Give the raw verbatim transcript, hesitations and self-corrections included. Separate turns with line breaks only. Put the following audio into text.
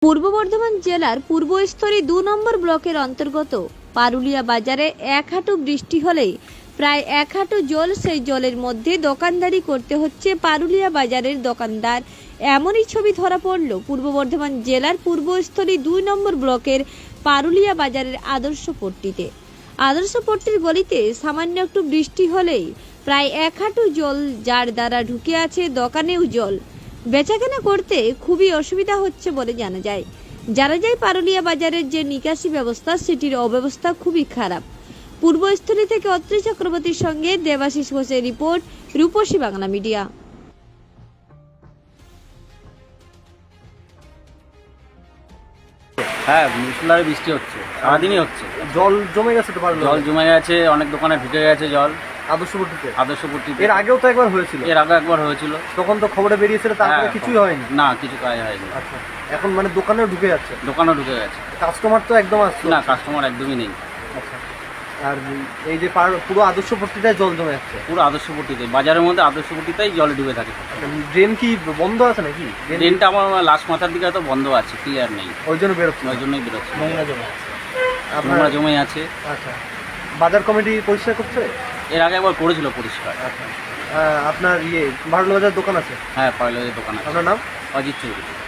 পূর্ব বর্ধমান জেলার পূর্বস্থলী দু নম্বর ব্লকের অন্তর্গত পারুলিয়া বাজারে এক হাঁটু বৃষ্টি হলেই প্রায় এক হাঁটু জল, সেই জলের মধ্যে দোকানদারি করতে হচ্ছে পারুলিয়া বাজারের দোকানদার। এমনই ছবি ধরা পড়ল পূর্ব বর্ধমান জেলার পূর্বস্থলী দুই নম্বর ব্লকের পারুলিয়া বাজারের আদর্শপট্টিতে। আদর্শপট্টির গলিতে সামান্য একটু বৃষ্টি হলেই প্রায় এক হাঁটু জল, যার দ্বারা ঢুকে আছে দোকানেও জল। বেচাকেনা করতে খুবই অসুবিধা হচ্ছে বলে জানা যায়। জানা যায় পারুলিয়া বাজারের যে নিকাশি ব্যবস্থা, সেটির অব্যবস্থা খুবই খারাপ। পূর্বস্থলী থেকে অত্রি চক্রবর্তীর সঙ্গে দেবাশিস ঘোষের রিপোর্ট, রূপসী বাংলা মিডিয়া।
হ্যাঁ, মুষলধারে বৃষ্টি হচ্ছে, সারাদিনই হচ্ছে।
জল জমে গেছে তো?
জল জমে গেছে, অনেক দোকানে ঢুকে গেছে জল।
আদর্শপট্টিতে
আদর্শপট্টিতে
এর আগেও তো একবার হয়েছিল।
এর আগে একবার হয়েছিল,
তখন তো খবরে বেরিয়েছিল, তারপরে
হ্যাঁ,
কিছুই হয়নি।
না, কিছু কাজ হয়নি।
আচ্ছা, এখন মানে দোকানেও ঢুকে যাচ্ছে?
দোকানও ঢুকে গেছে,
কাস্টমার তো একদম আসছে
না, কাস্টমার একদমই নেই।
আচ্ছা, আর এই যে পার- পুরো আদর্শপট্টিটায় জল জমে যাচ্ছে?
পুরো আদর্শপট্টিতে, বাজারের মধ্যে আদর্শপট্টিতেই জল ডুবে থাকে।
ড্রেন কি বন্ধ আছে নাকি?
ট্রেনটা আমার লাস্ট মাথার দিকে তো বন্ধ আছে, ক্লিয়ার নেই,
ওই জন্য বেরোচ্ছে?
ওই জন্যই বেরোচ্ছে।
নোংরা জমে আপনার?
নোংরা জমে আছে।
আচ্ছা, বাজার কমিটি পরিষ্কার করছে?
এর আগে একবার করেছিল পরিষ্কার।
আচ্ছা, আহ, আপনার ইয়ে ভারত বাজার দোকান আছে?
হ্যাঁ, পারলে দোকান আছে।
আপনার নাম?
অজিত চৌধুরী।